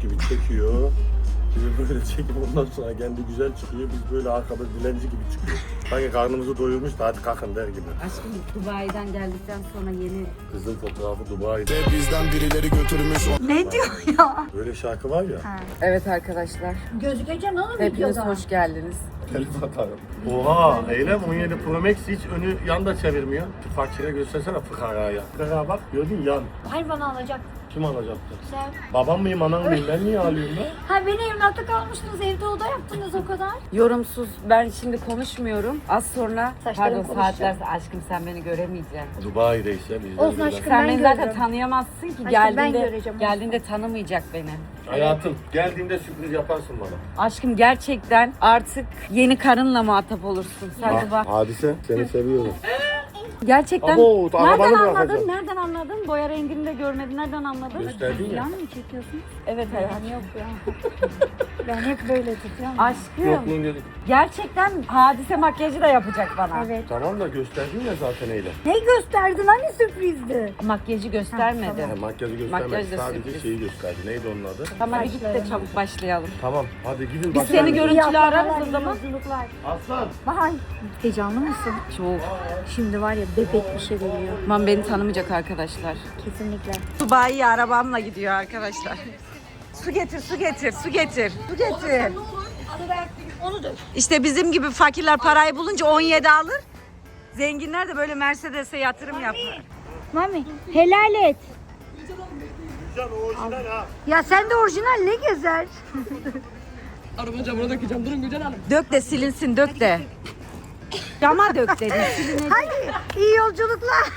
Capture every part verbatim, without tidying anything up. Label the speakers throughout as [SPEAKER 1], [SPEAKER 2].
[SPEAKER 1] gibi çekiyor. Bizi böyle çekip ondan sonra kendi güzel çıkıyor. Biz böyle arkada dilenci gibi çıkıyor. Sanki karnımızı doyurmuş da hadi kalkın der gibi.
[SPEAKER 2] Aşkım Dubai'den geldikten sonra yeni...
[SPEAKER 1] Kızın fotoğrafı Dubai'de.
[SPEAKER 3] Bizden birileri götürmüş.
[SPEAKER 4] Ne diyor ya?
[SPEAKER 1] Böyle şarkı var ya.
[SPEAKER 4] Ha.
[SPEAKER 2] Evet arkadaşlar,
[SPEAKER 4] Gözükeceksin oğlum
[SPEAKER 2] hepiniz
[SPEAKER 4] videoda.
[SPEAKER 2] hoş geldiniz.
[SPEAKER 1] Telif atarım. Oha Eylem on yedi Pro Max hiç önü yan da çevirmiyor. Şu fakire göstersene fıkaraya. Fıkara bak gördün yan.
[SPEAKER 4] Hayır bana alacak.
[SPEAKER 1] Kim alacaktı?
[SPEAKER 4] Sen.
[SPEAKER 1] Babam mıyım anam mıyım ben niye alıyorum ben?
[SPEAKER 4] Ha beni evlatlık almıştınız evde oda yaptınız o kadar.
[SPEAKER 2] Yorumsuz, ben şimdi konuşmuyorum. Az sonra,
[SPEAKER 4] Saçlarım
[SPEAKER 2] pardon
[SPEAKER 4] konuşacak.
[SPEAKER 2] saatler, aşkım sen beni göremeyeceksin.
[SPEAKER 1] Dubai'deyse biz de
[SPEAKER 4] Olsun
[SPEAKER 1] burada.
[SPEAKER 4] aşkım.
[SPEAKER 2] Sen
[SPEAKER 4] Ben
[SPEAKER 2] beni zaten
[SPEAKER 4] görürüm.
[SPEAKER 2] tanıyamazsın ki,
[SPEAKER 4] Aşkım, ben
[SPEAKER 2] geldiğinde,
[SPEAKER 4] göreceğim.
[SPEAKER 2] geldiğinde tanımayacak beni.
[SPEAKER 1] Hayatım geldiğinde sürpriz yaparsın bana.
[SPEAKER 2] Aşkım gerçekten artık yeni karınla muhatap olursun. Sen de bak.
[SPEAKER 1] Hadise seni seviyorum.
[SPEAKER 2] Gerçekten
[SPEAKER 1] Abo, arabanı
[SPEAKER 2] nereden
[SPEAKER 1] bırakacağım.
[SPEAKER 2] anladın? Nereden anladın? Boya rengini de görmedin. Nereden anladın?
[SPEAKER 1] Gösterdin ya.
[SPEAKER 4] Plan mı çekiyorsun?
[SPEAKER 2] Evet hayatım.
[SPEAKER 4] Yok ya. Ben hep böyle tutuyorum.
[SPEAKER 2] Aşkım
[SPEAKER 1] Yokluğun dedik.
[SPEAKER 2] gerçekten hadise makyajı da yapacak bana.
[SPEAKER 4] Evet.
[SPEAKER 1] Tamam da gösterdin ya zaten Eylem.
[SPEAKER 4] Ne gösterdin? Hani sürprizdi?
[SPEAKER 2] Makyajı göstermedi.
[SPEAKER 4] Ha, tamam.
[SPEAKER 1] Yani makyajı
[SPEAKER 2] Makyaj
[SPEAKER 1] göstermedi
[SPEAKER 2] da
[SPEAKER 1] sadece
[SPEAKER 2] sürpriz.
[SPEAKER 1] şeyi gösterdi. Neydi onun adı?
[SPEAKER 2] Tamam hadi git de
[SPEAKER 4] Başlayalım.
[SPEAKER 2] çabuk başlayalım.
[SPEAKER 1] Tamam hadi gidin.
[SPEAKER 2] Biz seni görüntülü
[SPEAKER 4] Yapmalar,
[SPEAKER 2] ararız o zaman.
[SPEAKER 4] yolculuklar.
[SPEAKER 1] Aslan.
[SPEAKER 4] Vay. Heyecanlı mısın?
[SPEAKER 2] Çok.
[SPEAKER 4] Şimdi var ya bebek bir şey geliyor.
[SPEAKER 2] Aman beni tanımayacak arkadaşlar.
[SPEAKER 4] Kesinlikle.
[SPEAKER 2] Dubai'ye arabamla gidiyor arkadaşlar. Su getir, su getir, su getir. Su getir.
[SPEAKER 4] Onu da.
[SPEAKER 2] İşte bizim gibi fakirler parayı bulunca on yedi alır. Zenginler de böyle Mercedes'e yatırım yapar.
[SPEAKER 4] Mami helal et.
[SPEAKER 1] Güzel o orijinal ha.
[SPEAKER 4] Ya sen de orijinal ne gezer?
[SPEAKER 5] Araba camına dökeceğim. Durun Gülcan Hanım.
[SPEAKER 2] Dök de silinsin, dök de. Cama dök dedim. silinecek.
[SPEAKER 4] Hadi iyi yolculuklar.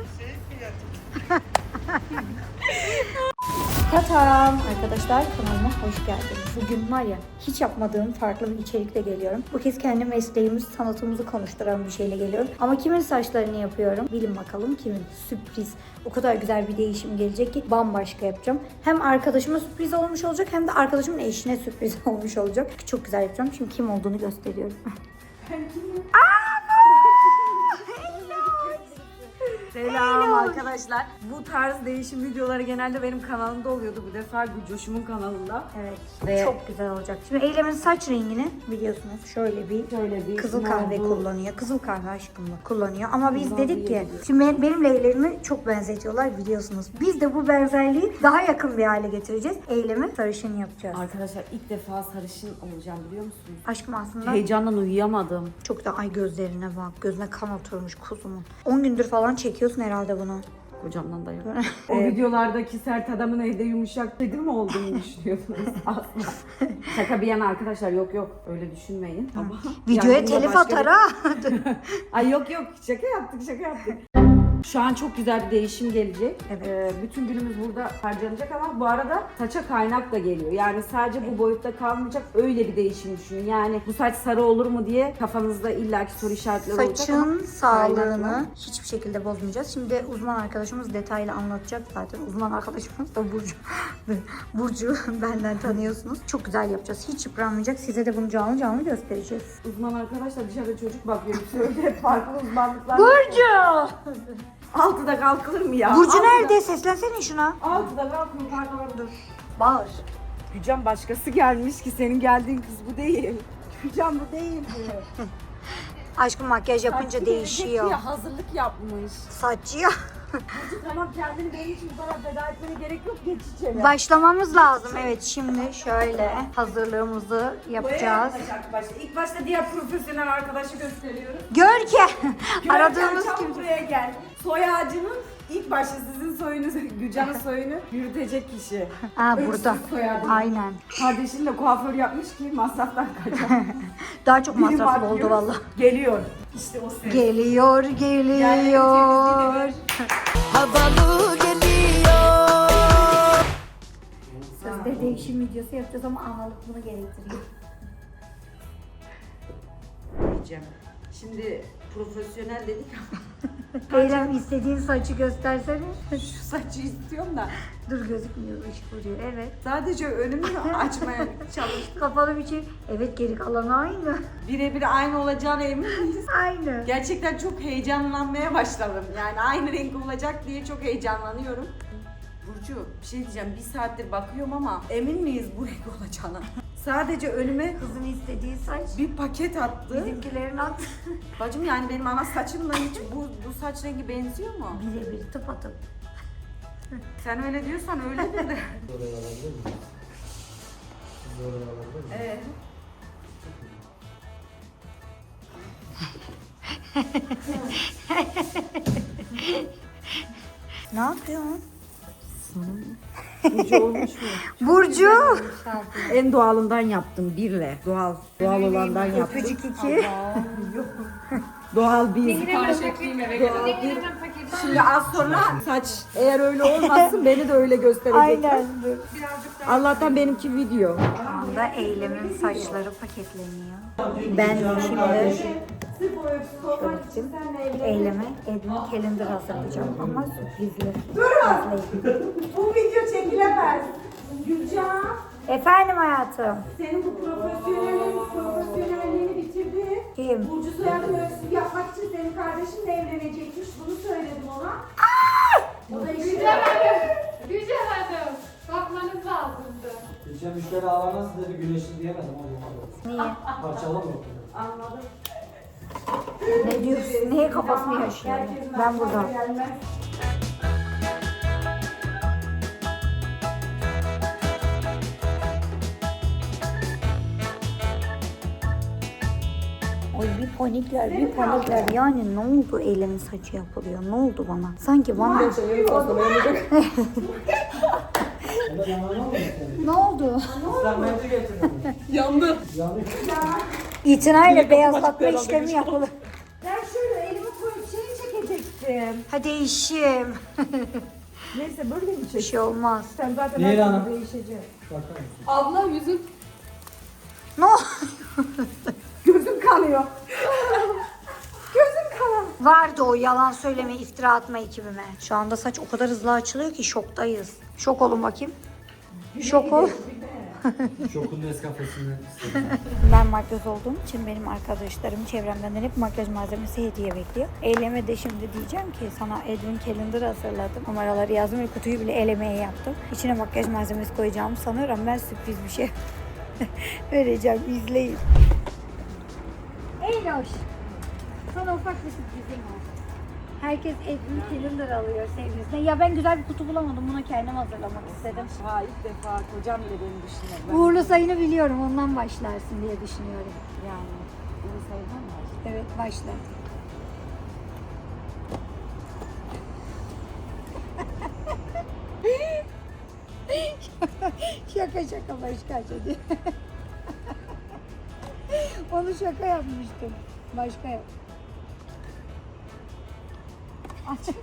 [SPEAKER 4] Tatam arkadaşlar kanalıma hoş geldiniz. Bugün var ya hiç yapmadığım farklı bir içerikle geliyorum. Bu kez kendi mesleğimiz, sanatımızı konuşturan bir şeyle geliyorum. Ama kimin saçlarını yapıyorum? Bilin bakalım kimin? Sürpriz. O kadar güzel bir değişim gelecek ki bambaşka yapacağım. Hem arkadaşıma sürpriz olmuş olacak hem de arkadaşımın eşine sürpriz olmuş olacak. Çok güzel yapacağım. Şimdi kim olduğunu gösteriyorum.
[SPEAKER 2] Selam arkadaşlar. Bu tarz değişim videoları genelde benim kanalımda oluyordu. Bu defa Gülcoş'umun kanalında.
[SPEAKER 4] Evet.
[SPEAKER 2] Ve-
[SPEAKER 4] Çok güzel olacak. Şimdi Eylem'in saç rengini biliyorsunuz şöyle bir
[SPEAKER 2] Şöyle bir
[SPEAKER 4] kızıl
[SPEAKER 2] ne
[SPEAKER 4] kahve
[SPEAKER 2] oldu?
[SPEAKER 4] kullanıyor. Kızıl kahve aşkımla kullanıyor. Ama biz
[SPEAKER 2] Bundan
[SPEAKER 4] dedik ki
[SPEAKER 2] bir-
[SPEAKER 4] şimdi benim, benimle Eylem'i çok benzetiyorlar biliyorsunuz. Biz de bu benzerliği daha yakın bir hale getireceğiz. Eylem'i sarışın yapacağız.
[SPEAKER 2] Arkadaşlar ilk defa sarışın olacağım biliyor musunuz?
[SPEAKER 4] Aşkım aslında
[SPEAKER 2] Heyecandan uyuyamadım.
[SPEAKER 4] çok da ay gözlerine bak. Gözüne kan oturmuş kuzumun. on gündür falan çekiyorsun herhalde bunu.
[SPEAKER 2] Kocamdan da yok. O videolardaki sert adamın evde yumuşak kedi mi olduğunu düşünüyordunuz? Asla. Şaka bir yana arkadaşlar, yok yok öyle düşünmeyin. Ama
[SPEAKER 4] Videoya
[SPEAKER 2] yani bunda
[SPEAKER 4] telif
[SPEAKER 2] başka
[SPEAKER 4] atar
[SPEAKER 2] bir-
[SPEAKER 4] ha.
[SPEAKER 2] Ay yok yok şaka yaptık şaka yaptık. Şu an çok güzel bir değişim gelecek.
[SPEAKER 4] Evet.
[SPEAKER 2] Ee, bütün günümüz burada harcanacak ama bu arada saça kaynak da geliyor. Yani sadece bu boyutta kalmayacak, öyle bir değişim düşünün. Yani bu saç sarı olur mu diye kafanızda illaki soru işaretleri olacak ama
[SPEAKER 4] Saçın sağlığını
[SPEAKER 2] kaynakla.
[SPEAKER 4] hiçbir şekilde bozmayacağız. Şimdi uzman arkadaşımız detaylı anlatacak zaten. Uzman arkadaşımız da Burcu. Burcu benden tanıyorsunuz. Çok güzel yapacağız. Hiç yıpranmayacak. Size de bunu canlı canlı göstereceğiz.
[SPEAKER 2] Uzman arkadaşlar dışarıda çocuk bakıyor. Söyle farklı uzmanlıklar.
[SPEAKER 4] Burcu!
[SPEAKER 2] Altıda kalkılır mı ya?
[SPEAKER 4] Burcu
[SPEAKER 2] Altıda-
[SPEAKER 4] nerede? Seslensene şuna.
[SPEAKER 2] Altıda kalkılır pardon dur.
[SPEAKER 4] Bağır.
[SPEAKER 2] Gücan başkası gelmiş ki senin geldiğin kız bu değil. Gücan bu değil.
[SPEAKER 4] Aşkım makyaj yapınca
[SPEAKER 2] Saçı
[SPEAKER 4] değişiyor.
[SPEAKER 2] gelecek diye hazırlık yapmış.
[SPEAKER 4] Saçı ya.
[SPEAKER 2] Burcu tamam kendini benim için bu kadar feda etmene gerek yok, geç içeri.
[SPEAKER 4] Başlamamız lazım. Evet şimdi şöyle hazırlığımızı yapacağız.
[SPEAKER 2] Başla, başla. İlk başta diğer profesyonel arkadaşı gösteriyoruz.
[SPEAKER 4] Gör ki
[SPEAKER 2] Gel,
[SPEAKER 4] aradığımız
[SPEAKER 2] gel, çabuk
[SPEAKER 4] kim?
[SPEAKER 2] buraya gel. Soy ağacının ilk başta sizin soyunuzu, Gücan'ın soyunu yürütecek kişi.
[SPEAKER 4] Ha
[SPEAKER 2] Öksüz
[SPEAKER 4] burada.
[SPEAKER 2] soyadı.
[SPEAKER 4] Aynen.
[SPEAKER 2] Kardeşin de kuaför yapmış ki masraftan kaçar.
[SPEAKER 4] Daha çok
[SPEAKER 2] Biri
[SPEAKER 4] masraflı
[SPEAKER 2] bakıyor,
[SPEAKER 4] oldu valla.
[SPEAKER 2] Geliyor. İşte o ses.
[SPEAKER 4] Geliyor, geliyor.
[SPEAKER 3] Havalı geliyor.
[SPEAKER 4] Sözde değişim videosu yapacağız ama analık bunu gerektiriyor.
[SPEAKER 2] Diyeceğim. Şimdi profesyonel dedik ama
[SPEAKER 4] Eylem istediğin saçı göstersene.
[SPEAKER 2] şu saçı istiyorum da
[SPEAKER 4] Dur gözükmüyor, ışık vuruyor. Evet.
[SPEAKER 2] sadece önümü açmaya çalıştım.
[SPEAKER 4] Kapalı bir şey. Evet geri kalan aynı.
[SPEAKER 2] Birebir aynı olacağına emin miyiz?
[SPEAKER 4] Aynı.
[SPEAKER 2] Gerçekten çok heyecanlanmaya başladım. Yani aynı renk olacak diye çok heyecanlanıyorum. Burcu bir şey diyeceğim. Bir saattir bakıyorum ama emin miyiz bu renk olacağına? Sadece önüme
[SPEAKER 4] Kızın istediği saç.
[SPEAKER 2] bir paket attı.
[SPEAKER 4] Bizimkilerin at.
[SPEAKER 2] Bacım yani benim ana saçımla hiç bu, bu saç rengi benziyor mu?
[SPEAKER 4] Birebir tıpatıp.
[SPEAKER 2] Sen öyle diyorsan öyledir de. Evet.
[SPEAKER 4] Ne yapıyorsun?
[SPEAKER 2] Burcu olmuş mu?
[SPEAKER 4] Burcu.
[SPEAKER 2] En doğalından yaptım birle. Doğal. Doğal olandan yaptım.
[SPEAKER 4] Öpücük iki.
[SPEAKER 2] Doğal bir.
[SPEAKER 5] Sipariş ettiğim eve
[SPEAKER 2] Doğal
[SPEAKER 5] gelen.
[SPEAKER 2] bir. Şimdi az sonra saç eğer öyle olmazsın beni de öyle gösterecek.
[SPEAKER 4] Aynen.
[SPEAKER 2] Allah'tan benimki video.
[SPEAKER 4] Şu anda Eylem'in saçları paketleniyor. Ben şimdi Şöyle Eylem'e Edwin Calendar hazırlayacağım ama sürprizli. İzleyin.
[SPEAKER 2] Bu video çekilemez. Gülcan,
[SPEAKER 4] Efendim hayatım.
[SPEAKER 2] senin bu profesyonelin profesyonelliğini bitirdi.
[SPEAKER 4] Kim?
[SPEAKER 2] Burcu soyadını öksüz yapmak için senin kardeşinle evlenecekmiş. Bunu söyledim ona. O da işte.
[SPEAKER 6] Güzel Hanım, bakmanız lazımdı.
[SPEAKER 7] Geçen müşteri ağlamaz size bir güneşli diyemedim ama
[SPEAKER 4] Niye?
[SPEAKER 7] parçalamıyor.
[SPEAKER 2] Anladım.
[SPEAKER 4] Ne diyorsun? Neye kafasını yaşıyor? Ben burada. Oy bir panikler, bir panikler. Yani ne oldu Eylem'in saçı yapılıyor? Ne oldu bana? Sanki bana...
[SPEAKER 7] Ya da yanına mı istedin?
[SPEAKER 4] Ne oldu?
[SPEAKER 7] Sen bence getirdin.
[SPEAKER 5] Yandı.
[SPEAKER 7] Yanlış.
[SPEAKER 4] İtinayla beyazlatma işlemi yapılır.
[SPEAKER 2] Ben şöyle elimi koyup şeyi çekecektim.
[SPEAKER 4] Hadi işim.
[SPEAKER 2] Neyse böyle mi
[SPEAKER 4] Bir
[SPEAKER 2] çek?
[SPEAKER 4] şey olmaz.
[SPEAKER 2] Sen zaten
[SPEAKER 7] Nehir
[SPEAKER 2] her
[SPEAKER 7] Hanım.
[SPEAKER 2] türlü değişecek.
[SPEAKER 7] Bakar mısın?
[SPEAKER 5] Abla yüzün.
[SPEAKER 4] Ne oldu?
[SPEAKER 2] Gözüm kanıyor. Gözüm kanıyor.
[SPEAKER 4] Vardı o yalan söyleme, iftira atma ekibime. Şu anda saç o kadar hızlı açılıyor ki şoktayız. Şok olun bakayım. Şok ol.
[SPEAKER 7] Şokun Nescafe'sinden istedim.
[SPEAKER 4] Ben makyöz olduğum için benim arkadaşlarım çevremden hep makyaj malzemesi hediye bekliyor. Eyleme de şimdi diyeceğim ki sana Edwin Calendar hazırladım. Numaraları yazdım ve kutuyu bile el emeği yaptım. İçine makyaj malzemesi koyacağımı sanıyorum. Ben sürpriz bir şey vereceğim. İzleyin. Eyloş. Sana ufak bir sürprizim var. Herkes Edwin Calendar alıyor sevgilisine. Ya ben güzel bir kutu bulamadım. Buna kendim hazırlamak istedim.
[SPEAKER 2] Ha ilk defa kocam bile beni düşünüyor. Ben
[SPEAKER 4] Uğurlu sayını biliyorum. Ondan başlarsın diye düşünüyorum.
[SPEAKER 2] yani bunu sayılmam mı?
[SPEAKER 4] Evet başla. şaka şaka başka şey. Onu şaka yapmıştım. Başka yap. Aç.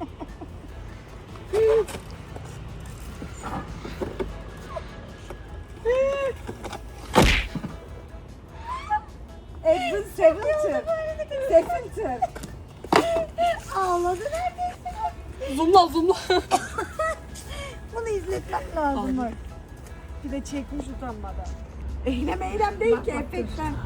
[SPEAKER 2] Edwin Seventy. Seventy.
[SPEAKER 4] Ağladı neredeyse.
[SPEAKER 5] Zoomla zoomla.
[SPEAKER 4] Bunu izletmem lazım. Bak.
[SPEAKER 2] Bir de çekmiş utanmadan. Eylem eylem değil ki efektten.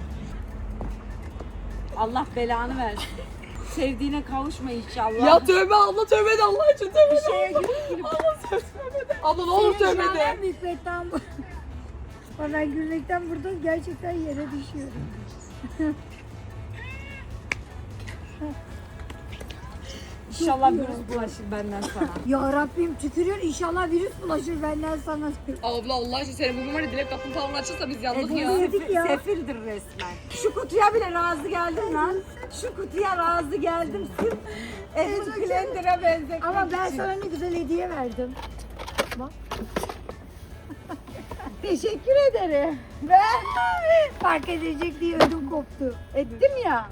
[SPEAKER 2] Allah belanı versin. Sevdiğine kavuşma inşallah.
[SPEAKER 5] Ya tövbe abla tövbe de Allah için tövbe de.
[SPEAKER 2] şeye girip girip
[SPEAKER 5] Abla tövbe de. Abla ne olur tövbe de.
[SPEAKER 4] Ben büyük betam bu. Ama ben gülmekten burada gerçekten yere düşüyorum.
[SPEAKER 2] İnşallah virüs bulaşır benden sana.
[SPEAKER 4] Ya Rabbim tükürüyor inşallah virüs bulaşır benden sana.
[SPEAKER 5] Abla Allah için senin bu var ya dilek kapın falan açılsa biz yalnız
[SPEAKER 2] Edwin
[SPEAKER 5] ya.
[SPEAKER 4] Yedik ya.
[SPEAKER 2] sefildir resmen. Şu kutuya bile razı geldim lan. Şu kutuya razı geldim. Sırf Edwin Calendar'a benzetmek
[SPEAKER 4] Ama ben
[SPEAKER 2] için.
[SPEAKER 4] sana ne güzel hediye verdim. Bak.
[SPEAKER 2] Teşekkür ederim.
[SPEAKER 4] Ben fark edecek diye ödüm koptu.
[SPEAKER 2] Ettim ya.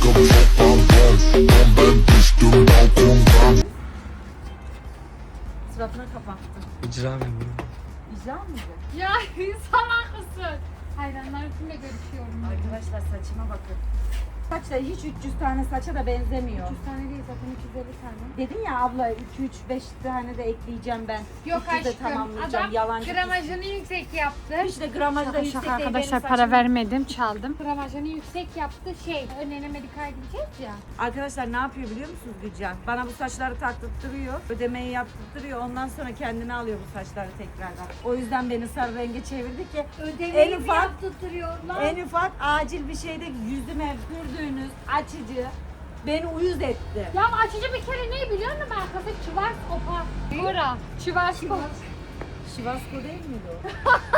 [SPEAKER 2] Suratına kapattım.
[SPEAKER 7] İcra mı?
[SPEAKER 2] İcra mıydı?
[SPEAKER 6] Ya salak mısın? Hayranlarımla görüşüyorum.
[SPEAKER 2] Arkadaşlar saçıma bakın. Saçlar hiç üç yüz tane saça da benzemiyor.
[SPEAKER 6] üç tane değil zaten iki yüz elli tane.
[SPEAKER 2] Dedin ya abla iki üç beş tane de ekleyeceğim ben.
[SPEAKER 6] Yok
[SPEAKER 2] üç yüz de
[SPEAKER 6] aşkım.
[SPEAKER 2] tamamlayacağım.
[SPEAKER 6] Adam
[SPEAKER 2] Yalancı
[SPEAKER 6] gramajını yüksek yaptı.
[SPEAKER 2] Hiç de gramajda
[SPEAKER 6] Şaka
[SPEAKER 2] yüksek
[SPEAKER 6] şaka
[SPEAKER 2] değil.
[SPEAKER 6] arkadaşlar
[SPEAKER 2] Benim
[SPEAKER 6] para
[SPEAKER 2] saçım-
[SPEAKER 6] vermedim çaldım. Gramajını yüksek yaptı şey. Önlerine medikal gideceğiz ya.
[SPEAKER 2] Arkadaşlar ne yapıyor biliyor musunuz Gülcan? Bana bu saçları taktırtırıyor, ödemeyi yaptırtırıyor. Ondan sonra kendine alıyor bu saçları tekrardan. O yüzden beni sarı renge çevirdi ki
[SPEAKER 6] Ödemeyi
[SPEAKER 2] en
[SPEAKER 6] mi
[SPEAKER 2] ufak,
[SPEAKER 6] yaptırtıyorlar?
[SPEAKER 2] en ufak acil bir şeyde yüzüme sürdüğünüz açıcı beni uyuz etti.
[SPEAKER 6] Ya açıcı bir kere ne biliyor musun? Arkası çıvar kopa. Bura. Çıvar
[SPEAKER 2] Şivasko değil miydi o?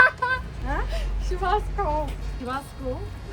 [SPEAKER 6] Şivasko.
[SPEAKER 2] Şivasko.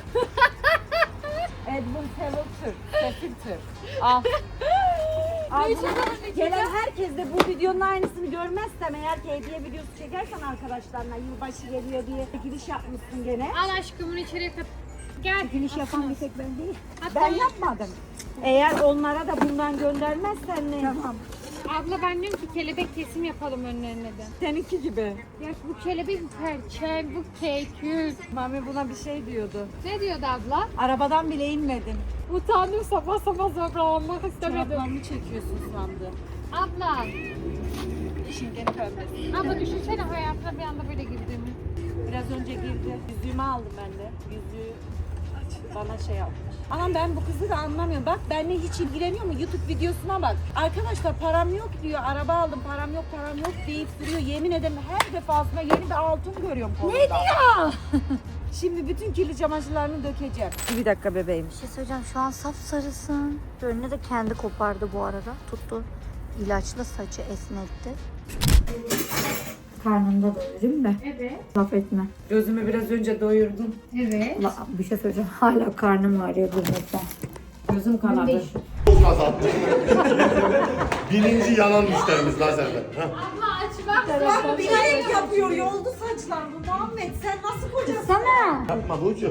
[SPEAKER 2] Edmund Filter. Filter. Al. Al bunu. Gelen herkes de bu videonun aynısını görmezsem eğer ki hediye videosu çekersen arkadaşlarına yılbaşı geliyor diye giriş yapmışsın gene.
[SPEAKER 6] Al aşkımın içeri kat. Gel.
[SPEAKER 2] Giriş yapan bir tek ben değil.
[SPEAKER 6] Hatta
[SPEAKER 2] Ben yapmadım. Eğer onlara da bundan göndermezsen ne? Tamam.
[SPEAKER 6] Abla ben diyorum ki kelebek kesim yapalım önlerine de.
[SPEAKER 2] Seninki gibi.
[SPEAKER 6] Ya bu kelebek bu perçel, bu kekül.
[SPEAKER 2] Mami buna bir şey diyordu.
[SPEAKER 6] Ne diyordu abla?
[SPEAKER 2] Arabadan bile inmedim.
[SPEAKER 6] Utandım sabah sabah zorlanmak istemedim.
[SPEAKER 2] Çoraplarını çekiyorsun sandı.
[SPEAKER 6] Abla.
[SPEAKER 2] İşin gene pembesi.
[SPEAKER 6] Abla düşünsene hayatına bir anda böyle girdiğimi.
[SPEAKER 2] Biraz önce girdi. Yüzüğümü aldım ben de. Yüzüğü bana şey yapmış. Anam ben bu kızı da anlamıyorum. Bak benimle hiç ilgileniyor mu? YouTube videosuna bak. Arkadaşlar param yok diyor. Araba aldım. Param yok, param yok deyip duruyor. Yemin ederim her defasında yeni bir altın görüyorum kolunda. Ne diyor? Şimdi bütün kirli çamaşırlarını dökeceğim. Bir dakika bebeğim.
[SPEAKER 4] Bir şey söyleyeceğim, şu an sapsarısın. Önüne de kendi kopardı bu arada. Tuttu. İlaçla saçı esnetti. Karnında doyurayım da.
[SPEAKER 6] Evet.
[SPEAKER 4] Laf etme.
[SPEAKER 2] Gözümü biraz önce doyurdum.
[SPEAKER 6] Evet.
[SPEAKER 4] La, bir şey söyleyeceğim. Hala karnım ağrıyor gülmekten.
[SPEAKER 2] Gözüm kanadı.
[SPEAKER 3] Çok azalttı. Birinci yalan müşterimiz lazerden. Ha.
[SPEAKER 6] Abla aç bak.
[SPEAKER 2] Bak bilerek yapıyor. Yoldu saçlar bu Muhammed. Sen nasıl kocasın?
[SPEAKER 4] Sana.
[SPEAKER 3] Yapma Burcu.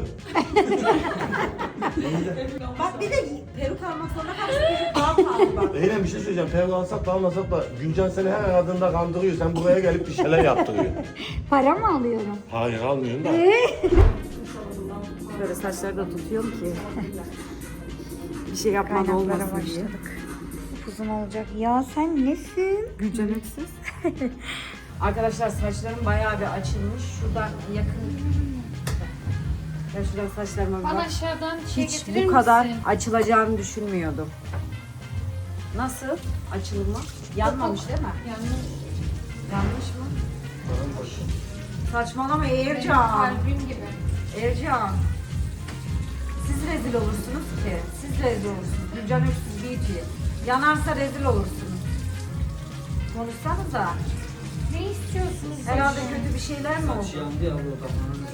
[SPEAKER 2] Bak bir de peruk almak zorunda kalmışsın. Daha pahalı bak.
[SPEAKER 3] Eylem bir şey söyleyeceğim. Peruk alsak da almasak da Gülcan seni her aradığında kandırıyor. Sen buraya gelip bir şeyler yaptırıyor.
[SPEAKER 4] Para mı alıyorum?
[SPEAKER 3] Hayır almıyorsun da.
[SPEAKER 2] Böyle saçları da tutuyorum ki. Bir şey yapmadı
[SPEAKER 4] Kaynaklara
[SPEAKER 2] olmasın diye.
[SPEAKER 4] başladık. Uzun olacak. Ya sen nesin?
[SPEAKER 2] Gülcan öksüz. Arkadaşlar saçlarım bayağı bir açılmış. Şurada yakın. Ben şuradan saçlarıma bir
[SPEAKER 6] Bana
[SPEAKER 2] bak.
[SPEAKER 6] aşağıdan şey
[SPEAKER 2] Hiç
[SPEAKER 6] getirir
[SPEAKER 2] bu kadar
[SPEAKER 6] misin?
[SPEAKER 2] açılacağını düşünmüyordum. Nasıl? Açılımı? Yanmamış değil mi?
[SPEAKER 6] Yanlış.
[SPEAKER 2] Yanlış mı? Saçmalama Ercan.
[SPEAKER 6] Kalbim gibi.
[SPEAKER 2] Ercan. Siz rezil olursunuz ki. Siz rezil olursunuz. Gülcan Öksüz Beauty. Yanarsa rezil olursunuz. Konuşsanıza.
[SPEAKER 6] Ne istiyorsunuz?
[SPEAKER 2] Herhalde kötü bir şeyler mi oldu?
[SPEAKER 7] Saç yandı ya bu kafanın.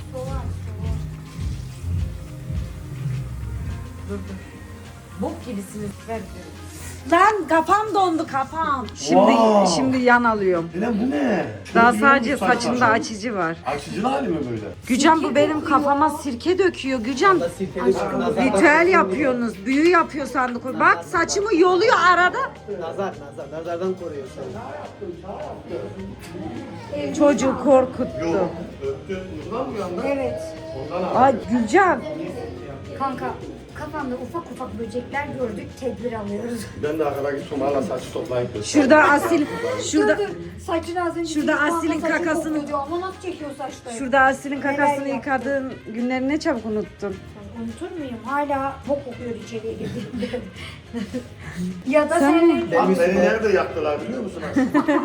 [SPEAKER 2] Dur dur. Bok gibisiniz. Ver diyorum. Lan kafam dondu kafam. Şimdi
[SPEAKER 3] Wow.
[SPEAKER 2] şimdi yan alıyorum.
[SPEAKER 3] Eylem bu ne?
[SPEAKER 2] Daha
[SPEAKER 3] Çok
[SPEAKER 2] sadece
[SPEAKER 3] iyi olmuş
[SPEAKER 2] saçımda
[SPEAKER 3] saçlar.
[SPEAKER 2] açıcı var.
[SPEAKER 3] Açıcılı hali mi böyle?
[SPEAKER 2] Gücan bu benim kafama sirke döküyor. Gücan ritüel yapıyorsunuz. Büyü yapıyor sandık. Bak saçımı yoluyor arada.
[SPEAKER 7] Nazar, nazar, nazardan koruyor seni.
[SPEAKER 2] Çocuğu korkuttu.
[SPEAKER 3] Yok. Öptü. Uykudan mı uyandı?
[SPEAKER 4] Evet.
[SPEAKER 3] Ondan abi.
[SPEAKER 2] Ay Gülcan.
[SPEAKER 4] Kanka kafamda ufak ufak böcekler gördük. Tedbir alıyoruz.
[SPEAKER 3] Ben de arkada gittim hala saçı toplayıp götürdüm.
[SPEAKER 2] Şurada Asil, şurada
[SPEAKER 4] Saçını az önce
[SPEAKER 2] Şurada
[SPEAKER 4] bir
[SPEAKER 2] Asil'in
[SPEAKER 4] saçı
[SPEAKER 2] kakasını-
[SPEAKER 4] kokuyordu. Ama nasıl çekiyor saçları?
[SPEAKER 2] şurada Asil'in kakasını
[SPEAKER 4] Neler
[SPEAKER 2] yıkadığın günleri ne çabuk unuttun.
[SPEAKER 4] Unutur muyum? Hala bok kokuyor içeriye girdiğimde. Ya da senin...
[SPEAKER 3] Bak beni nerede yaktılar biliyor musun aslında?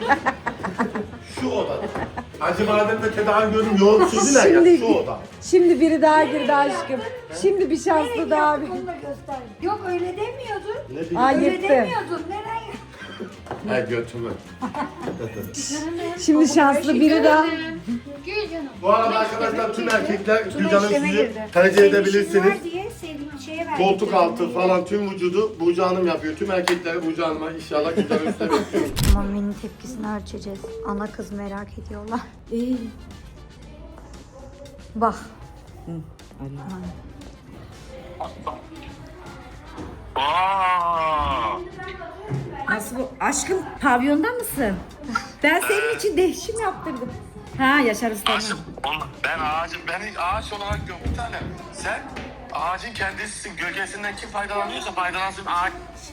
[SPEAKER 3] Şu odada. Acı bademde tedavi gördüm yoğurt sürdüler ya
[SPEAKER 2] Şimdi-
[SPEAKER 3] şu oda.
[SPEAKER 2] Şimdi biri daha girdi aşkım. Şimdi bir şanslı daha bir.
[SPEAKER 4] Onu da göster. Yok öyle demiyordun.
[SPEAKER 3] Ne bileyim.
[SPEAKER 2] Ay
[SPEAKER 4] Öyle
[SPEAKER 2] yetti.
[SPEAKER 4] demiyordun. Neren
[SPEAKER 3] Ha götümü.
[SPEAKER 2] Şimdi şanslı biri daha.
[SPEAKER 6] Gül canım.
[SPEAKER 3] Bu arada arkadaşlar tüm erkekler Gülcan'ın
[SPEAKER 4] işleme
[SPEAKER 3] sizi
[SPEAKER 4] girdi.
[SPEAKER 3] tercih
[SPEAKER 4] Senin
[SPEAKER 3] edebilirsiniz.
[SPEAKER 4] işin var diye sevdiğim şeye verdik.
[SPEAKER 3] Koltuk altı falan tüm vücudu Burcu Hanım yapıyor. Tüm erkekleri Burcu Hanım'a inşallah Gülcan'ın üstüne bekliyoruz.
[SPEAKER 4] Mami'nin tepkisini ölçeceğiz. Ana kız merak ediyorlar.
[SPEAKER 2] İyi.
[SPEAKER 4] Bak.
[SPEAKER 2] Nasıl bu? Aşkım pavyonda mısın? Ben senin için değişim yaptırdım. Ha Yaşar Usta'nın.
[SPEAKER 8] Oğlum ben ağacım, ben ağaç olarak görüyorum bir tane. Sen
[SPEAKER 3] Ağacın kendisisin. Gölgesinden kim faydalanıyorsa faydalansın ağaç.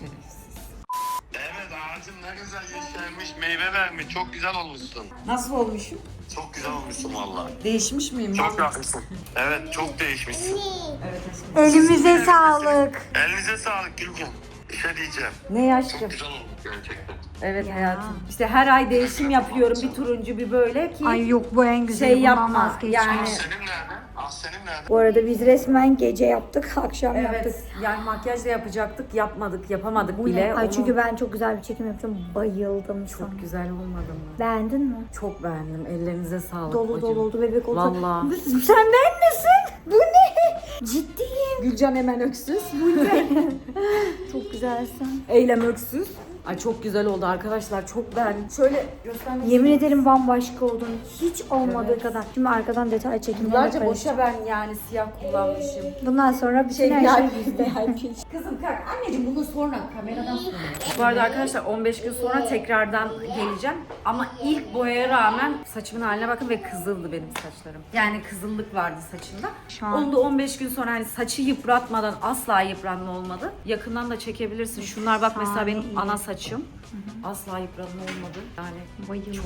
[SPEAKER 3] Evet ağacın ne güzel yeşermiş, meyve vermiş. Çok güzel olmuşsun.
[SPEAKER 2] Nasıl olmuşum?
[SPEAKER 3] Çok güzel olmuşsun valla.
[SPEAKER 2] Değişmiş miyim?
[SPEAKER 3] Çok yakışsın. Evet çok değişmişsin.
[SPEAKER 4] Elimize sağlık.
[SPEAKER 3] Elinize sağlık Gülcan. Bir şey diyeceğim.
[SPEAKER 2] Ne yaşlı?
[SPEAKER 3] Güzel olmuş gerçekten.
[SPEAKER 2] Evet hayatım. İşte her ay değişim yapıyorum. Bir turuncu bir böyle ki
[SPEAKER 4] Ay yok bu en güzeli.
[SPEAKER 2] şey
[SPEAKER 4] bundan
[SPEAKER 2] yapma.
[SPEAKER 4] vazgeçme.
[SPEAKER 2] Yani
[SPEAKER 3] Ahsen'im nerede? Ahsen'im nerede?
[SPEAKER 4] Bu arada biz resmen gece yaptık, akşam yaptık.
[SPEAKER 2] evet yani makyaj da yapacaktık. Yapmadık, yapamadık
[SPEAKER 4] Bu
[SPEAKER 2] bile.
[SPEAKER 4] ne? Ay
[SPEAKER 2] Onu-
[SPEAKER 4] çünkü ben çok güzel bir çekim yapacağım. Bayıldım sana.
[SPEAKER 2] Çok güzel olmadı mı?
[SPEAKER 4] Beğendin mi?
[SPEAKER 2] Çok beğendim. Ellerinize sağlık.
[SPEAKER 4] Dolu
[SPEAKER 2] bacım.
[SPEAKER 4] dolu oldu bebek oldu.
[SPEAKER 2] Vallahi.
[SPEAKER 4] Sen benlesin. Bu ne? Ciddiyim.
[SPEAKER 2] Gülcan hemen öksüz.
[SPEAKER 4] Çok güzelsin.
[SPEAKER 2] Eylem öksüz. Ay çok güzel oldu arkadaşlar. Çok beğendim. Şöyle göstermek
[SPEAKER 4] Yemin ederim bambaşka oldun. Hiç olmadığı kadar. Şimdi arkadan detay çekimlerine
[SPEAKER 2] Yıllarca
[SPEAKER 4] karışacağım.
[SPEAKER 2] boşa ben yani siyah kullanmışım.
[SPEAKER 4] Bundan sonra bütün
[SPEAKER 2] Şey,
[SPEAKER 4] her şey
[SPEAKER 2] yani-
[SPEAKER 4] bizde.
[SPEAKER 2] Kızım kalk. Anneciğim bunu sonra kameradan sonra. Bu arada arkadaşlar on beş gün sonra tekrardan geleceğim. Ama ilk boyaya rağmen saçımın haline bakın ve kızıldı benim saçlarım. Yani kızıllık vardı saçımda.
[SPEAKER 4] Şu an-
[SPEAKER 2] Onu da on beş gün sonra hani saçı yıpratmadan asla yıpranma olmadı. Yakından da çekebilirsin. Şunlar bak mesela
[SPEAKER 4] Şahane
[SPEAKER 2] benim
[SPEAKER 4] iyi.
[SPEAKER 2] ana saçım. Asla yıpranma olmadı. Yani
[SPEAKER 4] Bayıldım.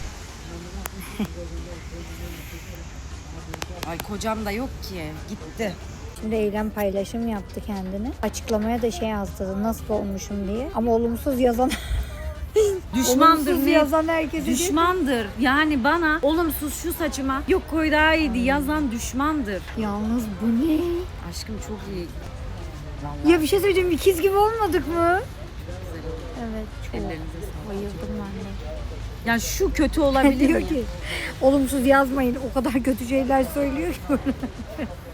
[SPEAKER 2] ay kocam da yok ki. Gitti.
[SPEAKER 4] Şimdi Eylem paylaşım yaptı kendini. Açıklamaya da şey yazdı nasıl olmuşum diye. Ama olumsuz yazan
[SPEAKER 2] Düşmandır
[SPEAKER 4] olumsuz
[SPEAKER 2] ne?
[SPEAKER 4] yazan herkese diyor ki,
[SPEAKER 2] Düşmandır. Yani bana olumsuz şu saçıma yok koy daha iyiydi yazan düşmandır.
[SPEAKER 4] yalnız bu ne?
[SPEAKER 2] Aşkım çok iyi.
[SPEAKER 4] Ya bir şey söyleyeceğim, ikiz gibi olmadık mı? Evet, çok
[SPEAKER 2] Ellerinize sağlık.
[SPEAKER 4] bayıldım ben de.
[SPEAKER 2] Yani şu kötü olabilir
[SPEAKER 4] Diyor
[SPEAKER 2] mi?
[SPEAKER 4] ki olumsuz yazmayın, o kadar kötü şeyler söylüyor ki.